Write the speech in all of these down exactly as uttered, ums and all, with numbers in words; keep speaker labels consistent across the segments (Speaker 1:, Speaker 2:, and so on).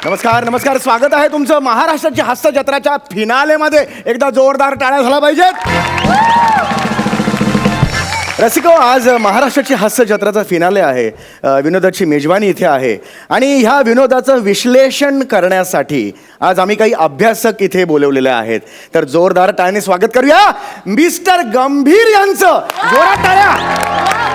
Speaker 1: नमस्कार नमस्कार स्वागत आहे तुमचं महाराष्ट्राची हास्य जत्राच्या फिनालेमध्ये. एकदा जोरदार टाळ्या झाला पाहिजेत. रसिको, आज महाराष्ट्राची हास्य जत्राचा फिनाले आहे. विनोदाची मेजवानी इथे आहे आणि ह्या विनोदाचं विश्लेषण करण्यासाठी आज आम्ही काही अभ्यासक इथे बोलवलेले आहेत. तर जोरदार टाळ्याने स्वागत करूया मिस्टर गंभीर यांचं. जोरात टाळ्या.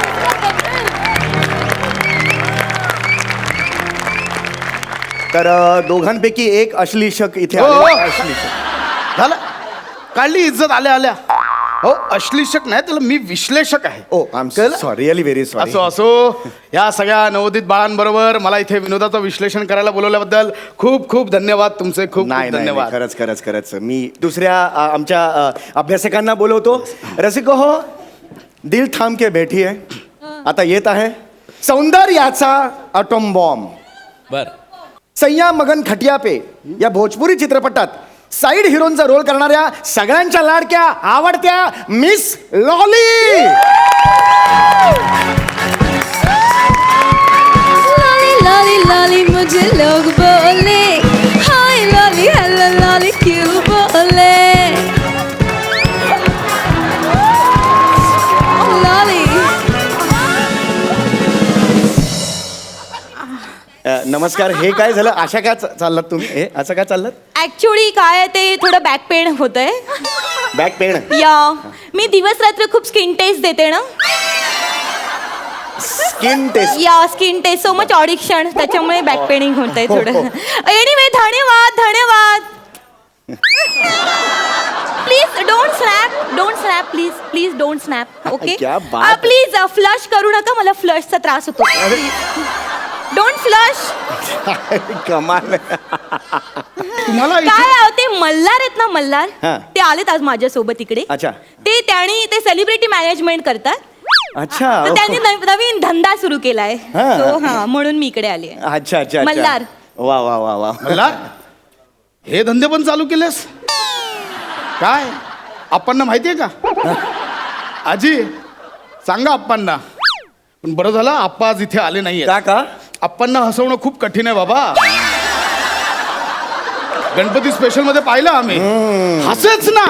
Speaker 1: तर दोघांपैकी एक अश्लीषक इथे आलेला आहे. अश्लीषक
Speaker 2: झालं, काढली इज्जत आल्या आल्या. हो, अश्लीषक नाही, त्याला मी विश्लेषक आहे.
Speaker 1: Oh I am sorry, really very sorry.
Speaker 2: असो असो, या सगळ्या नवोदित बाळांबरोबर मला इथे विनोदाचं विश्लेषण करायला बोलवल्याबद्दल खूप खूप धन्यवाद तुमचे. खूप
Speaker 1: नाही
Speaker 2: खूप
Speaker 1: नाही
Speaker 2: धन्यवाद.
Speaker 1: खरंच खरंच खरंच मी दुसऱ्या अ, आमच्या अ, अभ्यासकांना बोलवतो. रसिको हो, दिल थांब के बैठी है. आता येत आहे सौंदर्याचा अटोम बॉम्ब.
Speaker 3: बर,
Speaker 1: सय्या मगन खटिया पे या भोजपुरी चित्रपटात साईड हिरोनचा रोल करणाऱ्या सगळ्यांच्या लाडक्या आवडत्या miss Lolly.
Speaker 4: Lolly Lolly Lolly मुझे लोग बोले, हाय लॉली हेलो लॉली क्यों बोले. लॉली
Speaker 1: अ, नमस्कार. हे काय झालं? अशा काय चा- चाललात तुम्ही? हे असं काय चाललात?
Speaker 4: ऍक्च्युली काय आहे ते थोडं बॅक पेन होत आहे.
Speaker 1: Back pain.
Speaker 4: या मी दिवस रात्र खूप स्किन टेस्ट देते ना.
Speaker 1: Skin test.
Speaker 4: या skin test so much addiction, त्याच्यामुळे बॅक पेनिंग होत आहे थोडं. एनिवे धन्यवाद धन्यवाद. Please don't snap don't snap please please don't snap. Okay
Speaker 1: क्या बात आहे.
Speaker 4: प्लीज फ्लश करू नका, मला फ्लशचा त्रास होतो. Don't flush.
Speaker 1: कमाल.
Speaker 2: तुम्हाला इथे
Speaker 4: काय आहे, ते मल्हार आहेत ना मल्हार,
Speaker 1: हा.
Speaker 4: ते आलेत आज माझ्यासोबत इकडे.
Speaker 1: अच्छा.
Speaker 4: ते त्यांनी ते सेलिब्रिटी मॅनेजमेंट करतात.
Speaker 1: अच्छा.
Speaker 4: तर त्यांनी नव- नवीन धंदा सुरू केलाय.
Speaker 1: हा.
Speaker 4: So, हा म्हणून मी इकडे आली आहे.
Speaker 1: अच्छा अच्छा अच्छा.
Speaker 4: मल्हार.
Speaker 1: वा वा वा वा.
Speaker 2: मला हे धंदे पण चालू केलेस काय? आप्पांना माहितीये का? आजी सांगा आप्पांना. पण बरं झालं आप्पा आज इथे आले नाहीये.
Speaker 1: का का?
Speaker 2: आप्पांना हसवणं खूप कठीण आहे बाबा. गणपती स्पेशल मध्ये पाहिलं आम्ही, हसेच ना.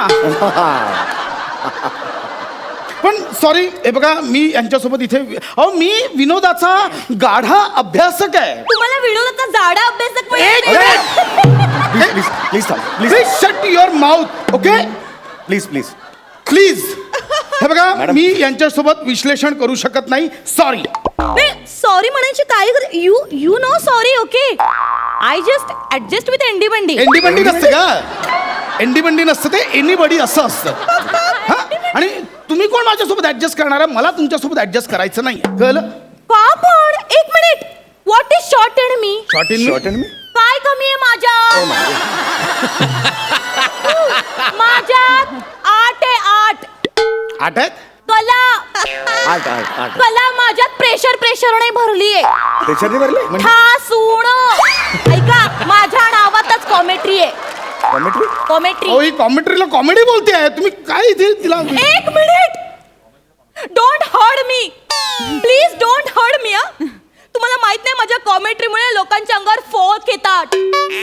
Speaker 2: पण सॉरी, हे बघा मी यांच्यासोबत इथे, अहो मी विनोदाचा गाढा अभ्यासक आहे.
Speaker 4: तुम्हाला विनोदाचा जाडा अभ्यासक
Speaker 2: एक
Speaker 4: मिळाला.
Speaker 1: प्लीज प्लीज प्लीज थांब. Please
Speaker 2: please shut your mouth. Okay
Speaker 1: please please.
Speaker 2: Please. हे बघा
Speaker 1: मॅडम.
Speaker 2: मी यांच्यासोबत विश्लेषण करू शकत नाही. सॉरी.
Speaker 4: सॉरी म्हणायची काय you you know sorry. Okay I just adjust with Andy Bandy.
Speaker 2: एंडी बंडी नसते का? एंडी बंडी नसतं, ते एनीबडी असं असतं. हा? आणि तुम्ही कोण माझ्यासोबत ऍडजस्ट करणार आहे? मला तुमच्यासोबत ऍडजस्ट करायचं नाही. कळलं?
Speaker 4: का पण एक minute, what is short and me?
Speaker 2: Short in
Speaker 1: short and me.
Speaker 4: काय कमी आहे माझ्या? माझ्यात आठ आहे आठ.
Speaker 2: आठ आहेत.
Speaker 4: कला
Speaker 1: आठ आठ आठ.
Speaker 4: कला माझ्यात प्रेशर प्रेशर नाही भरली आहे.
Speaker 1: त्याच्याने भरले म्हणजे
Speaker 4: ठासूण. ऐका, माझ्या नावातच कॉमेट्री आहे.
Speaker 1: कॉमेंट्री.
Speaker 4: कॉमेट्री.
Speaker 2: अहो ही कॉमेंट्रीला कॉमेडी बोलते आहे तुम्ही. काय इथे तिला
Speaker 4: एक minute, don't heard me please, don't heard me. तुम्हाला माहित नाही माझ्या कॉमेंट्रीमुळे लोकांच्या अंगावर फोक येतात.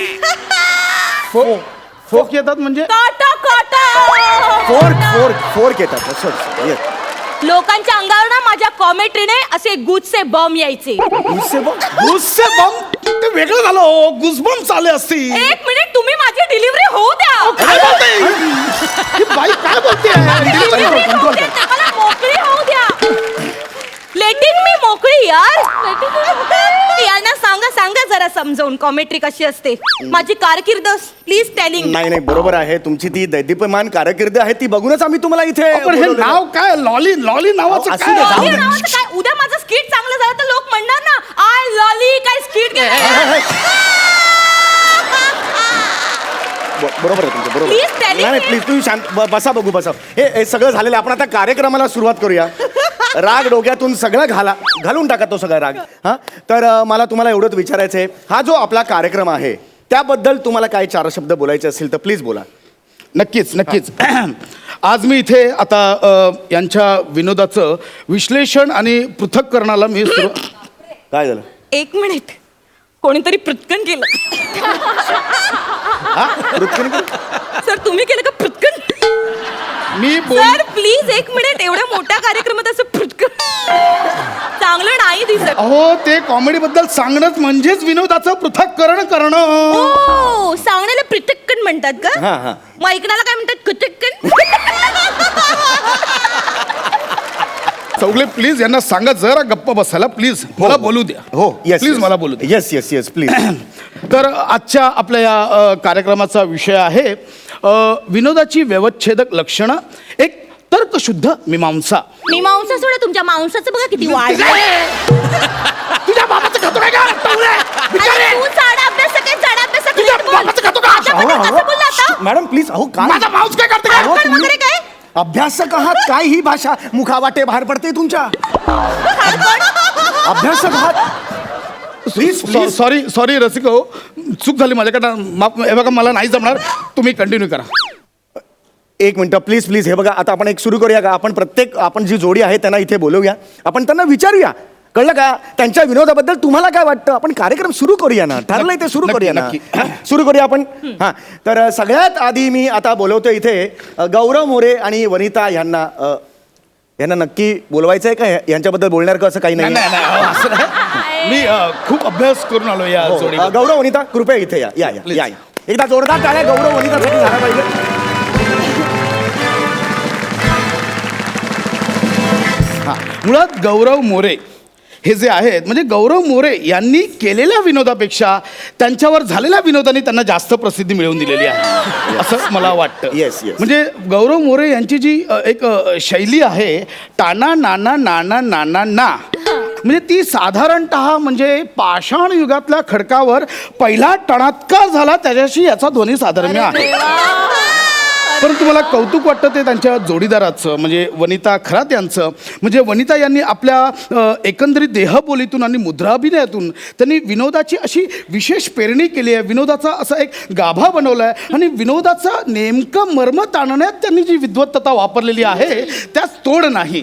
Speaker 2: फो फोक येतात म्हणजे?
Speaker 4: काटा काटा.
Speaker 1: फोर्क फोर्क फोर्क येतात. असं येस.
Speaker 4: लोकांच्या अंगावर ना माझ्या कॉमेंट्रीने असे गुजचे बम यायचे.
Speaker 1: गुस्से बघ.
Speaker 2: गुस्से बम ते वेगळं झालं. हो गुसबम चाले असतील.
Speaker 4: एक मिनिट, तुम्ही माझी डिलिव्हरी होऊ द्या.
Speaker 2: काय बोलते ही बाई? काय बोलते?
Speaker 4: Delivery होऊ द्या, मला मोकळी होऊ द्या. लेटिंग मी मोकळी यार. यांना सांगा सांगा जरा समजावून कॉमेंट्री कशी असते. माझी कारकीर्द प्लीज टेलिंग.
Speaker 1: नाही नाही बरोबर आहे. तुमची ती दैदीप्यमान कारकीर्द आहे, ती बघूनच आम्ही तुम्हाला इथे
Speaker 2: पण हे
Speaker 1: बोलवलेलं.
Speaker 2: नाव काय? लॉली लॉली नावाचं
Speaker 1: असू दे,
Speaker 2: काय?
Speaker 1: जाऊ दे.
Speaker 4: नावाचं काय? उद्या माझं स्किट चांगलं झालं तर लोक म्हणणार ना, आय लॉली काय स्किट.
Speaker 1: ब- बरोबर आहे तुमचं. बरोबर.
Speaker 4: Please tell
Speaker 1: नाही नाही
Speaker 4: me.
Speaker 1: प्लीज तुम्ही शांत ब- बसा बघू बसा. हे हे सगळं झालेलं आहे. आपण आता कार्यक्रमाला सुरुवात करूया. राग डोक्यातून सगळं घाला घालून टाका तो सगळा राग. हा तर अ, मला तुम्हाला एवढंच विचारायचं आहे, हा जो आपला कार्यक्रम आहे त्याबद्दल तुम्हाला काय चार शब्द बोलायचे असतील तर प्लीज बोला.
Speaker 2: नक्कीच नक्कीच. आज मी इथे आता अ, यांच्या विनोदाचं विश्लेषण आणि पृथक्करणाला मी सुरू.
Speaker 1: काय झालं?
Speaker 4: एक मिनिट, कोणीतरी पृथ्कन केलं. सर तुम्ही केलं का पृथ्कन?
Speaker 2: मी बोल
Speaker 4: सर प्लीज एक मिनिट, एवढ्या मोठ्या कार्यक्रमात असं पृथ्कन चांगलं नाही दिसत.
Speaker 2: अहो ते कॉमेडी बद्दल सांगणंच म्हणजेच विनोदाचं पृथक्करण करणं.
Speaker 4: ओ सांगण्याला पृथक्कन म्हणतात का?
Speaker 1: हा हा
Speaker 4: मग ऐकण्याला काय म्हणतात? कुथक्कन.
Speaker 2: चौगले प्लीज यांना सांगा जरा गप्प बसायला प्लीज. मला बोलू द्या.
Speaker 1: हो येस
Speaker 2: प्लीज मला बोलू द्या.
Speaker 1: Yes yes yes please.
Speaker 2: तर आजच्या आपल्या या अ, कार्यक्रमाचा विषय आहे अ, विनोदाची व्यवच्छेदक लक्षणं, एक तर्कशुद्ध मीमांसा.
Speaker 4: मी मांसा सोडा, तुमच्या मांसाचं बघा किती वाढलंय.
Speaker 2: तुझ्या बाबाचं खातो काय का? टवळे! बिचारे!
Speaker 4: तू चाडा अभ्यास काय चाडा अभ्यास
Speaker 2: तुझ्या बाबाचं खातो का?
Speaker 4: कसं बोलला आता?
Speaker 1: मॅडम प्लीज अहो काय
Speaker 2: माझा माऊस काय करते
Speaker 1: अहो,
Speaker 2: का?
Speaker 1: तुम्ही-
Speaker 4: वगैरे काय?
Speaker 1: अभ्यासक आहात काय? ही भाषा मुखावाटे बाहेर पडते तुमच्या. अभ्यासक आहात प्लीज प्लीज.
Speaker 2: सॉरी सॉरी रसिक हो, चूक झाली माझ्याकडनं. माफ. हे बघा मला नाही जमणार, तुम्ही कंटिन्यू करा.
Speaker 1: एक मिनिट प्लीज प्लीज. हे बघा आता आपण एक सुरू करूया का? आपण प्रत्येक आपण जी जोडी आहे त्यांना इथे बोलवूया, आपण त्यांना विचारूया, कळलं का? त्यांच्या विनोदाबद्दल तुम्हाला काय वाटतं? आपण कार्यक्रम सुरू करूया ना, ठरलंय ते सुरू
Speaker 2: नक्की,
Speaker 1: करूया ना.
Speaker 2: नक्की.
Speaker 1: हा, सुरू करूया आपण. हा तर अ, सगळ्यात आधी मी आता बोलवतो इथे अ, गौरव मोरे आणि वनिता यांना. अ, यांना नक्की बोलवायचं आहे का? या- यांच्याबद्दल बोलणार का असं काही
Speaker 2: नाही
Speaker 1: नाही?
Speaker 2: नाही नाही, अहो, असं नाही. मी अ, खूप अभ्यास करून आलो या
Speaker 1: हो,
Speaker 2: जोडी.
Speaker 1: अ, गौरव वनिता कृपया इथे या या या,
Speaker 2: Please.
Speaker 1: या या. एकदा जोरदार टाळ्या गौरव वनितासाठी झाला पाहिजे.
Speaker 2: हा, मुळात गौरव मोरे हे जे आहेत, म्हणजे गौरव मोरे यांनी केलेल्या विनोदापेक्षा त्यांच्यावर झालेल्या विनोदाने त्यांना जास्त प्रसिद्धी मिळवून दिलेली आहे असं मला वाटतं.
Speaker 1: Yes, yes.
Speaker 2: म्हणजे गौरव मोरे यांची जी अ, एक अ, शैली आहे, टाना नाना नाना नाना ना, म्हणजे ती साधारणतः म्हणजे पाषाण युगातल्या खडकावर पहिला टणात्कार झाला त्याच्याशी याचा ध्वनी साधर्म्य आहे. परंतु मला कौतुक वाटतं ते त्यांच्या जोडीदाराचं, म्हणजे वनिता खरात यांचं. म्हणजे वनिता यांनी आपल्या अ, एकंदरीत देहबोलीतून आणि मुद्राभिनयातून त्यांनी विनोदाची अशी विशेष पेरणी केली आहे, विनोदाचा असा एक गाभा बनवला आहे आणि विनोदाचा नेमकं मर्म ताणण्यात त्यांनी जी विद्वत्तता वापरलेली आहे त्यास तोड नाही.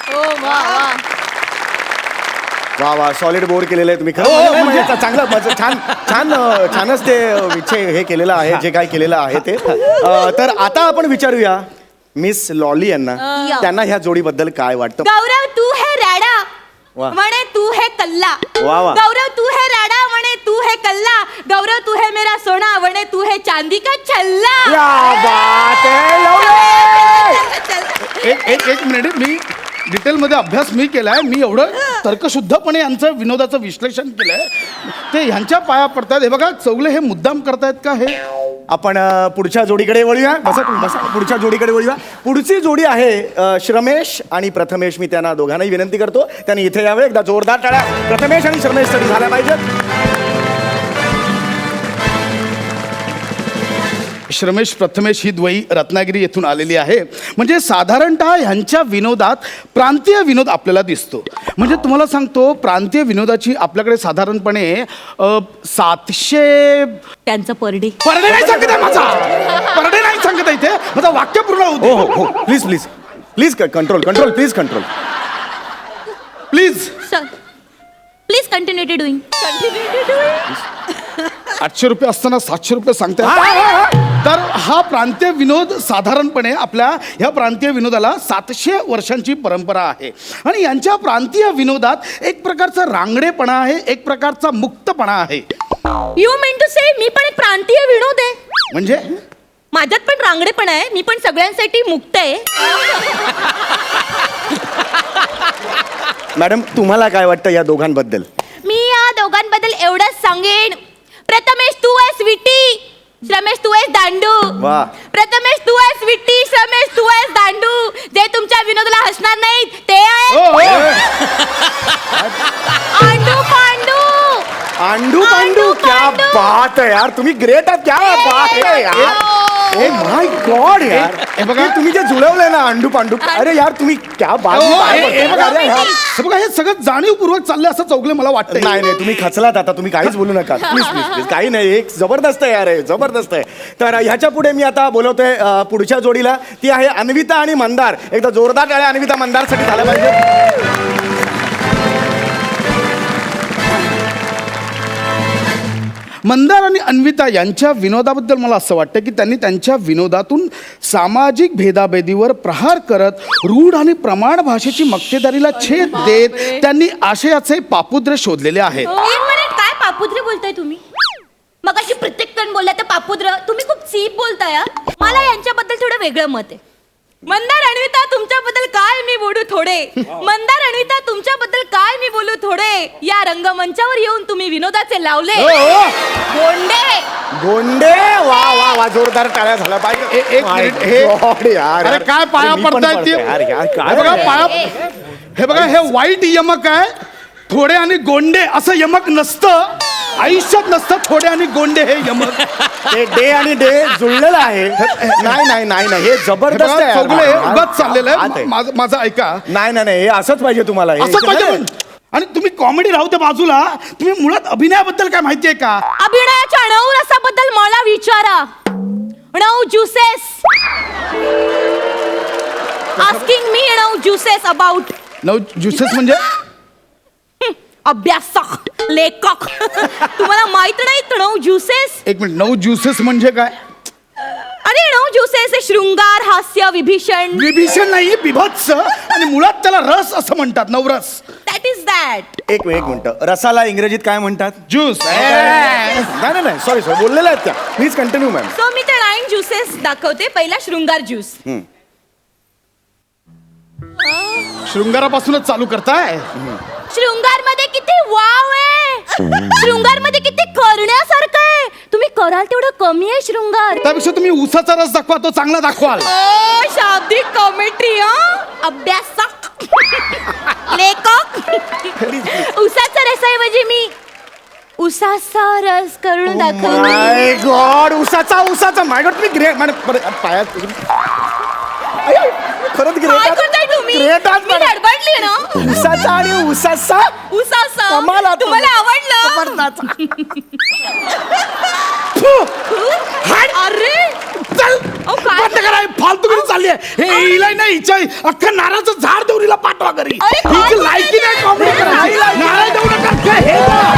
Speaker 1: वा वा सॉलिड बोर्ड केलेलं आहे तुम्ही. खरं
Speaker 2: हो,
Speaker 1: म्हणजे-
Speaker 2: हो,
Speaker 1: म्हणजे चांगलं मज- छान छान अ, छानच ते अ, विषय हे केलेलं आहे, जे काय केलेलं आहे ते. अ, तर आता आपण विचारूया मिस लॉली यांना,
Speaker 4: या.
Speaker 1: त्यांना ह्या जोडीबद्दल काय वाटतं.
Speaker 4: गौरव तू है राडा
Speaker 1: वा.
Speaker 4: म्हणे तू है कल्ला.
Speaker 1: वा, वा.
Speaker 4: गौरव तू है राडा म्हणे तू है कल्ला. गौरव तू है मेरा सोना म्हणे तू है चांदी का छल्ला.
Speaker 1: क्या बात है, लवली!
Speaker 2: एक एक एक मिनिट, मी डिटेलमध्ये अभ्यास मी केलाय. मी एवढं तर्कशुद्धपणे यांचं विनोदाचं विश्लेषण केलंय, ते ह्यांच्या पाया पडतात. हे बघा चौगले हे मुद्दाम करतायत का हे?
Speaker 1: आपण अ, पुढच्या जोडीकडे वळूया. बसा तुम्ही, बसा. पुढच्या जोडीकडे वळूया. पुढची जोडी आहे अ, श्रमेश आणि प्रथमेश. मी त्यांना दोघांनाही विनंती करतो त्यांनी इथे यावे. एकदा जोरदार टाळ्या प्रथमेश आणि श्रमेशसाठी झाल्या पाहिजेत.
Speaker 2: श्रमेश प्रथमेश ही द्वयी रत्नागिरी येथून आलेली आहे. म्हणजे साधारणतः ह्यांच्या विनोदात प्रांतीय विनोद आपल्याला दिसतो. म्हणजे तुम्हाला सांगतो, प्रांतीय विनोदाची आपल्याकडे साधारणपणे अ, सातशे
Speaker 4: त्यांचं परडे.
Speaker 2: परडे नाही सांगत आहे माझा, परडे नाही सांगत आहे इथे, माझा वाक्य पूर्ण
Speaker 1: हो
Speaker 2: होतो.
Speaker 1: हो हो please please please control control please control
Speaker 2: please.
Speaker 4: Sir please continue to doing. Continue to doing.
Speaker 2: आठशे रुपये असताना सातशे रुपये सांगताय.
Speaker 1: हा, हा, हा.
Speaker 2: तर हा प्रांतीय विनोद साधारणपणे आपल्या ह्या प्रांतीय विनोदाला सातशे वर्षांची परंपरा आहे आणि यांच्या प्रांतीय विनोदात एक प्रकारचा रांगडेपणा आहे, एक प्रकारचा मुक्तपणा आहे.
Speaker 4: यू मीन टू से मी पण एक प्रांतीय विनोद आहे.
Speaker 2: म्हणजे
Speaker 4: माझ्यात पण रांगडेपणा आहे, मी पण सगळ्यांसाठी मुक्त आहे.
Speaker 1: मॅडम तुम्हाला काय वाटतं या दोघांबद्दल.
Speaker 4: मी या दोघांबद्दल एवढंच सांगेन, प्रथमेश तू आहे स्वीटी, श्रमेश तू आहेस दांडू.
Speaker 1: वा.
Speaker 4: प्रथमेश तू आहेस स्वीटी, श्रमेश तू आहेस दांडू. जे तुमच्या विनोदाला हसणार नाहीत ते
Speaker 2: हो,
Speaker 4: आहे
Speaker 2: हो.
Speaker 4: आंडू पांडू.
Speaker 1: आंडू पांडू.
Speaker 4: आंडू
Speaker 1: क्या
Speaker 4: पांडू.
Speaker 1: बात है यार, तुम्ही ग्रेट आहात. क्या बात है यार. ए माय गॉड यार,
Speaker 2: हे बघा.
Speaker 1: हे तुम्ही जे जुळवलंय ना अंडू पांडू, अरे यार तुम्ही क्या बात.
Speaker 2: हो,
Speaker 1: काय
Speaker 2: हे-
Speaker 1: बोलताय?
Speaker 2: हे बघा,
Speaker 1: अरे यार.
Speaker 2: हे बघा, हे सगळं जाणीवपूर्वक चाललंय असं चौगले मला वाटतं.
Speaker 1: नाही नाही तुम्ही खचलात आता, तुम्ही काहीच बोलू नका प्लीज प्लीज प्लीज. काही नाही, एक जबरदस्त आहे यार, हे जबरदस्त आहे. तर ह्याच्या पुढे मी आता बोलवतोय अ, पुढच्या जोडीला. ती आहे अन्विता आणि मंदार. एकदा जोरदार टाळ्या अन्विता मंदारसाठी झाल्या पाहिजे.
Speaker 2: मंदार आणि अन्विता यांच्या विनोदाबद्दल मला असं वाटतं की त्यांनी त्यांच्या विनोदातून सामाजिक भेदाभेदीवर प्रहार करत रूढ आणि प्रमाण भाषेची मक्तेदारीला छेद देत त्यांनी आशयाचे पापुद्र शोधलेले आहेत.
Speaker 4: एक मिनिट, काय पापुद्र बोलताय तुम्ही? मग अशी प्रत्येक जण बोलला तर पापुद्र, तुम्ही खूप चीप बोलताय हा. मला यांच्याबद्दल थोडं वेगळं मत आहे. मंदार अन्विता तुमच्याबद्दल काय मी बोलू थोडे मंदार अन्विता तुमच्याबद्दल काय मी बोलू थोडे या रंगमंचावर येऊन तुम्ही विनोदाचे लावले
Speaker 2: हो, हो.
Speaker 4: गोंडे
Speaker 1: गोंडे वा वा वा जोरदार टाळ्या झाला पाहिजे.
Speaker 2: ए- एक
Speaker 1: My
Speaker 2: मिनिट, हे-
Speaker 1: God, यार,
Speaker 2: अरे
Speaker 1: यार.
Speaker 2: काय पाया
Speaker 1: मी पण
Speaker 2: पडतायत
Speaker 1: पडतोय,
Speaker 2: ते?
Speaker 1: यार, यार, काय
Speaker 2: हे बघा
Speaker 1: आहे?
Speaker 2: पाया हे बघा हे वाईट यमक आहे. थोडे आणि गोंडे असं यमक नसतं, आयुष्यात नसतं थोडे आणि गोंडे हे यमक.
Speaker 1: ते डे आणि डे जुळलेलं आहे. नाही नाही नाही नाही हे
Speaker 2: हे
Speaker 1: जबरदस्त
Speaker 2: बघा,
Speaker 1: आहे.
Speaker 2: चौगुले हे
Speaker 1: यार.
Speaker 2: उगाच चाललेलं
Speaker 1: हात
Speaker 2: आहे. माझं माझं ऐका,
Speaker 1: नाही नाही नाही हे असंच पाहिजे तुम्हाला हे.
Speaker 2: असं पाहिजे पण. आणि तुम्ही कॉमेडी राहू त्या बाजूला, तुम्ही मुळात अभिनयाबद्दल काय माहितीये का?
Speaker 4: अभिनयाच्या नऊ रसाबद्दल मला विचारा. नऊ ज्युसेस आस्किंग मी नऊ ज्युसेस अबाउट
Speaker 2: नऊ ज्युसेस म्हणजे
Speaker 4: अभ्यासक लेखक तुम्हाला माहित नाही नऊ ज्युसेस?
Speaker 2: एक मिनिट, नऊ ज्युसेस म्हणजे काय?
Speaker 4: अरे नऊ ज्युसेस हे शृंगार हास्य विभीषण
Speaker 2: विभीषण नाही, बिभत्स. आणि मुळात त्याला रस असं म्हणतात, नवरस.
Speaker 4: That is that.
Speaker 1: एक एक मिनिट, रसाला इंग्रजीत काय म्हणतात?
Speaker 2: ज्यूस.
Speaker 1: नाही नाही नाही सॉरी सॉरी बोललेलं आहेत त्या. Please continue ma'am.
Speaker 4: सो मी ते नाईन ज्युसेस दाखवते. पहिला शृंगार ज्यूस.
Speaker 2: शृंगारापासूनच चालू करताय.
Speaker 4: शृंगार मध्ये किती वाव आहे. शृंगार मध्ये किती करण्यासारखं आहे. तुम्ही कराल तेवढं कमी आहे शृंगार.
Speaker 2: त्यापेक्षा तुम्ही उसाचा रस दाखवा, तो चांगला दाखवाल.
Speaker 4: ओ शाब्दिक कॉमेंट्री हा. अभ्यासक लेखक. उसाचा रसाऐवजी मी उसाचा रस करून दाखवते.
Speaker 1: माय गॉड उसाचा उसाचा माय गॉड तुम्ही ग्रेट म्हणजे परत पायात अय्यो, खरंच
Speaker 4: काय
Speaker 1: ग्रेट
Speaker 4: करताय तुम्ही?
Speaker 1: ग्रेट आहात
Speaker 4: मी
Speaker 1: मॅडम.
Speaker 4: गडबडली ना.
Speaker 1: उसाचा आणि उसाचा
Speaker 4: उसाचा
Speaker 1: कमाल आहात तुम्ही.
Speaker 4: तुम्हाला आवडलं? अरे
Speaker 2: चल
Speaker 4: अहो, काय?
Speaker 2: बंद करा, हे फालतूगिरी चालली आहे. हे हिला नाही, हिच्या अख्खं नारळाचं झाड देऊन हिला पाठवा घरी.
Speaker 4: अरे, काय
Speaker 2: हिची
Speaker 4: बोलताय
Speaker 2: लायकी नाही
Speaker 4: ते?
Speaker 2: कॉमेडी करायची.
Speaker 1: नाही लायकी.
Speaker 2: नारळ देऊ नका. हे बघ.